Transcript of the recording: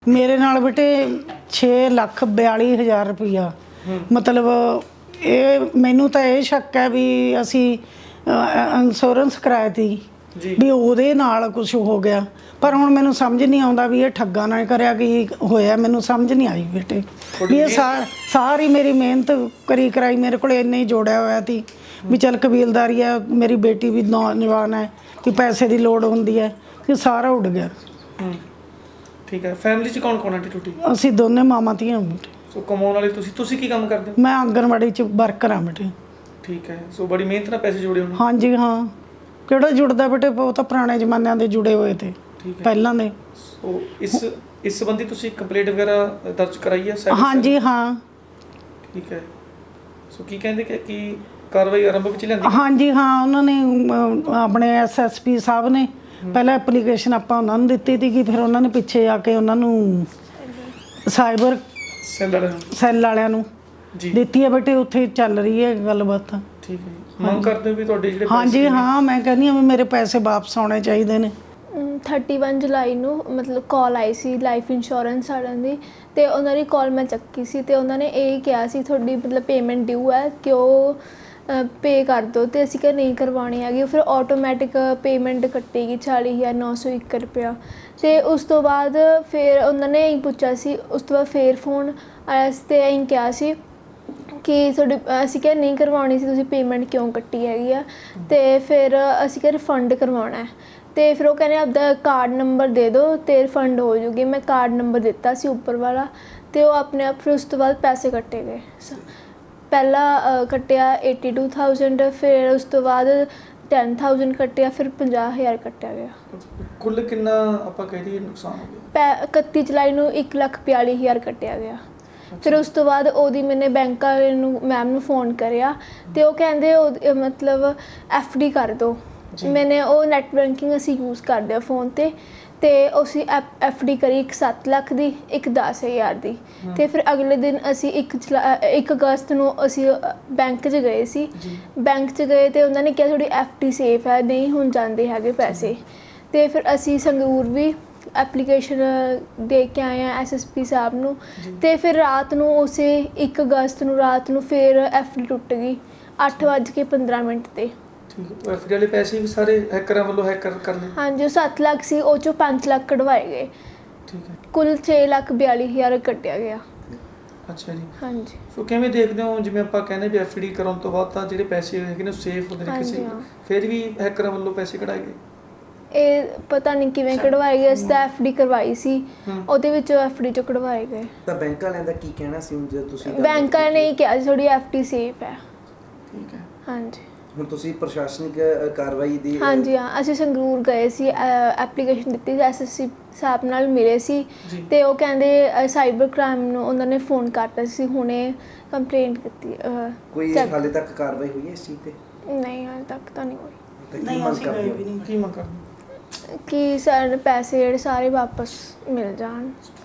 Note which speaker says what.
Speaker 1: मेरे नाल बेटे 6,42,000 रुपया मतलब ये मैनू तो ये शक है भी असी इंश्योरेंस कराया थी भी ਉਹਦੇ ਨਾਲ कुछ हो गया पर हुण मैनू समझ नहीं आउंदा भी ये ठग्गा ना करिया कि होया मैनू समझ नहीं आई बेटे भी ये सारी मेरी मेहनत करी कराई मेरे को इन्ना ही जोड़िया होया थी भी चल कबीलदारी है मेरी बेटी भी नौजवान है कि पैसे की लोड़ होंदी है कि सारा उड़ गया।
Speaker 2: ठीक है फैमिली च कौन कौन आंटी टूटी
Speaker 1: ਅਸੀਂ ਦੋਨੇ ਮਾਮਾ ਧੀਆਂ ਬੇਟੇ
Speaker 2: ਸੋ ਕਮਾਉਣ ਵਾਲੇ ਤੁਸੀਂ ਕੀ ਕੰਮ ਕਰਦੇ ਹੋ?
Speaker 1: ਮੈਂ ਆਂਗਣਵਾੜੀ ਚ ਵਰਕਰ ਹਾਂ ਬੇਟੇ।
Speaker 2: ਠੀਕ ਹੈ ਸੋ ਬੜੀ ਮਿਹਨਤ ਨਾਲ ਪੈਸੇ ਜੋੜੇ ਹੋਣੇ।
Speaker 1: ਹਾਂਜੀ ਹਾਂ ਕਿਹੜਾ ਜੁੜਦਾ ਬੇਟੇ ਉਹ ਤਾਂ ਪੁਰਾਣੇ ਜ਼ਮਾਨਿਆਂ ਦੇ ਜੁੜੇ ਹੋਏ ਤੇ ਪਹਿਲਾਂ ਦੇ।
Speaker 2: ਸੋ ਇਸ ਸੰਬੰਧੀ ਤੁਸੀਂ ਕੰਪਲੇਂਟ ਵਗੈਰਾ ਦਰਜ ਕਰਾਈ ਹੈ?
Speaker 1: ਹਾਂਜੀ ਹਾਂ।
Speaker 2: ਠੀਕ ਹੈ ਸੋ ਕੀ ਕਹਿੰਦੇ ਕਿ ਕਾਰਵਾਈ ਆਰੰਭ ਵਿੱਚ ਲੈਂਦੀ?
Speaker 1: ਹਾਂਜੀ ਹਾਂ ਉਹਨਾਂ ਨੇ ਆਪਣੇ ਐਸਐਸਪੀ ਸਾਹਿਬ ਨੇ ਪਹਿਲਾਂ ਐਪਲੀਕੇਸ਼ਨ ਆਪਾਂ ਉਹਨਾਂ ਨੂੰ ਦਿੱਤੀ ਸੀ ਕਿ ਫਿਰ ਉਹਨਾਂ ਨੇ ਪਿੱਛੇ ਆ ਕੇ ਉਹਨਾਂ ਨੂੰ ਸਾਈਬਰ ਸੈੱਲ ਵਾਲਿਆਂ ਨੂੰ ਦਿੱਤੀ ਹੈ ਬੇਟੇ ਉੱਥੇ ਚੱਲ ਰਹੀ ਹੈ ਗੱਲਬਾਤ।
Speaker 2: ਠੀਕ ਹੈ ਮੰਗ ਕਰਦੇ ਹੋ ਵੀ ਤੁਹਾਡੇ ਜਿਹੜੇ
Speaker 1: ਹਾਂਜੀ ਹਾਂ ਮੈਂ ਕਹਿੰਦੀ ਹਾਂ ਵੀ ਮੇਰੇ ਪੈਸੇ ਵਾਪਸ ਆਉਣੇ ਚਾਹੀਦੇ ਨੇ।
Speaker 3: 31 ਜੁਲਾਈ ਨੂੰ ਮਤਲਬ ਕਾਲ ਆਈ ਸੀ ਲਾਈਫ ਇੰਸ਼ੋਰੈਂਸ ਵਾਲਿਆਂ ਦੀ ਤੇ ਉਹਨਾਂ ਦੀ ਕਾਲ ਮੈਂ ਚੱਕੀ ਸੀ ਤੇ ਉਹਨਾਂ ਨੇ ਇਹ ਕਿਹਾ ਸੀ ਤੁਹਾਡੀ ਮਤਲਬ ਪੇਮੈਂਟ ਡਿਊ ਹੈ ਕਿ ਉਹ पे कर दो तो असी क्या नहीं करवानी हैगी फिर ऑटोमैटिक पेमेंट कट्टेगी 40,901 रुपया। तो उस तो बाद फिर उन्होंने यही पूछा सी उस तो बाद फिर फोन आया तो यही कहा सी कि थोड़ी असी क्या नहीं करवानी सी तुसी पेमेंट क्यों कट्टी हैगी आ तो फिर असी क्या रिफंड करवाना है तो फिर वो कहने आपका कार्ड नंबर दे दो तो रिफंड हो जूगी। मैं कार्ड नंबर दिता सी उपर वाला तो वो अपने आप फिर उस तो बाद पैसे कट्टे गए। पहला कट्टिया 82,000 फिर उस तो बाद 10,000 कट्टिया फिर 50,000 कट्टिया गया।
Speaker 2: कुल कितना ਆਪਾਂ ਕਹਿ ਦਈਏ ਨੁਕਸਾਨ ਹੋ ਗਿਆ?
Speaker 3: 31 ਜੁਲਾਈ ਨੂੰ 1,42,000 ਕੱਟਿਆ ਗਿਆ। ਫਿਰ ਉਸ ਤੋਂ ਬਾਅਦ ਉਹਦੀ ਮੈਨੇ ਬੈਂਕ ਵਾਲੇ ਨੂੰ ਮੈਮ ਨੂੰ ਫੋਨ ਕਰਿਆ ਤੇ ਉਹ ਕਹਿੰਦੇ ਮਤਲਬ FD ਕਰ ਦਿਓ। ਮੈਨੇ ਉਹ ਨੈਟ ਬੈਂਕਿੰਗ ਅਸੀਂ ਯੂਜ਼ ਕਰਦੇ ਆ ਫੋਨ ਤੇ ਅਸੀਂ FD ਕਰੀ ਇੱਕ 7 ਲੱਖ ਦੀ ਇੱਕ 10,000 ਦੀ ਤੇ ਫਿਰ ਅਗਲੇ ਦਿਨ ਅਸੀਂ 1 ਅਗਸਤ ਨੂੰ ਅਸੀਂ ਬੈਂਕ 'ਚ ਗਏ ਸੀ। ਬੈਂਕ 'ਚ ਗਏ ਤੇ ਉਹਨਾਂ ਨੇ ਕਿਹਾ ਤੁਹਾਡੀ FD ਸੇਫ ਹੈ ਨਹੀਂ ਹੁਣ ਜਾਂਦੇ ਹੈਗੇ ਪੈਸੇ ਤੇ ਫਿਰ ਅਸੀਂ ਸੰਗਰੂਰ ਵੀ ਐਪਲੀਕੇਸ਼ਨ ਦੇ ਕੇ ਆਏ ਆ SSP ਸਾਹਿਬ ਨੂੰ ਤੇ ਫਿਰ ਰਾਤ ਨੂੰ ਉਸੇ 1 ਅਗਸਤ ਨੂੰ ਰਾਤ ਨੂੰ ਫਿਰ FD ਟੁੱਟ ਗਈ 8:15 ਤੇ।
Speaker 2: ਠੀਕ ਹੈ FD ਵਾਲੇ ਪੈਸੇ ਵੀ ਸਾਰੇ ਹੈਕਰਾਂ ਵੱਲੋਂ ਹੈਕਰ ਕਰ ਲਏ?
Speaker 3: ਹਾਂਜੀ 7 ਲੱਖ ਸੀ ਉਹ 'ਚੋਂ 5 ਲੱਖ ਕਢਵਾਏ ਗਏ।
Speaker 2: ਠੀਕ ਹੈ
Speaker 3: ਕੁੱਲ 6,42,000 ਕੱਟਿਆ ਗਿਆ।
Speaker 2: ਅੱਛਾ ਜੀ
Speaker 3: ਹਾਂਜੀ
Speaker 2: ਸੋ ਕਿਵੇਂ ਦੇਖਦੇ ਹੋ ਜਿਵੇਂ ਆਪਾਂ ਕਹਿੰਦੇ ਵੀ FD ਕਰਾਉਣ ਤੋਂ ਬਾਅਦ ਤਾਂ ਜਿਹੜੇ ਪੈਸੇ ਹੈਗੇ ਨੇ ਸੇਫ ਹੁੰਦੇ ਨੇ ਕਿਸੇ ਫਿਰ ਵੀ ਹੈਕਰਾਂ ਵੱਲੋਂ ਪੈਸੇ ਕਢਾਏ ਗਏ? ਇਹ
Speaker 3: ਪਤਾ ਨਹੀਂ ਕਿਵੇਂ ਕਢਵਾਏ ਗਏ। ਅਸੀਂ ਤਾਂ FD ਕਰਵਾਈ ਸੀ ਉਹਦੇ ਵਿੱਚੋਂ FD 'ਚੋਂ ਕਢਵਾਏ ਗਏ।
Speaker 4: ਤਾਂ ਬੈਂਕ ਵਾਲਿਆਂ ਦਾ ਕੀ ਕਹਿਣਾ ਸੀ ਜੇ ਤੁਸੀਂ?
Speaker 3: ਬੈਂਕ ਵਾਲਿਆਂ ਨੇ ਕਿਹਾ ਸੀ ਤੁਹਾਡੀ FD ਸੇਫ ਹੈ।
Speaker 2: ਠੀਕ ਹੈ
Speaker 3: ਹਾਂਜੀ
Speaker 4: ਹੁਣ ਤੁਸੀਂ ਪ੍ਰਸ਼ਾਸਨਿਕ ਕਾਰਵਾਈ ਦੀ?
Speaker 3: ਹਾਂਜੀ ਹਾਂ ਅਸੀਂ ਸੰਗਰੂਰ ਗਏ ਸੀ ਐਪਲੀਕੇਸ਼ਨ ਦਿੱਤੀ ਸੀ SSP ਸਾਹਿਬ ਨਾਲ ਮਿਲੇ ਸੀ ਤੇ ਉਹ ਕਹਿੰਦੇ ਸਾਈਬਰ ਕ੍ਰਾਈਮ ਨੂੰ ਉਹਨਾਂ ਨੇ ਫੋਨ ਕਰਤਾ ਸੀ ਹੁਣੇ ਕੰਪਲੇਂਟ ਕੀਤੀ।
Speaker 4: ਕੋਈ ਹਾਲੇ ਤੱਕ ਕਾਰਵਾਈ ਹੋਈ ਹੈ ਇਸ ਚੀਜ਼ ਤੇ?
Speaker 3: ਨਹੀਂ ਹਾਲੇ ਤੱਕ ਤਾਂ ਨਹੀਂ ਹੋਈ।
Speaker 1: ਨਹੀਂ ਅਸੀਂ ਗਏ ਵੀ ਨਹੀਂ।
Speaker 2: ਕੀ ਮੰਗ ਕਰਦੇ
Speaker 3: ਕਿ ਸਾਡੇ ਪੈਸੇ ਜਿਹੜੇ ਸਾਰੇ ਵਾਪਸ ਮਿਲ ਜਾਣ।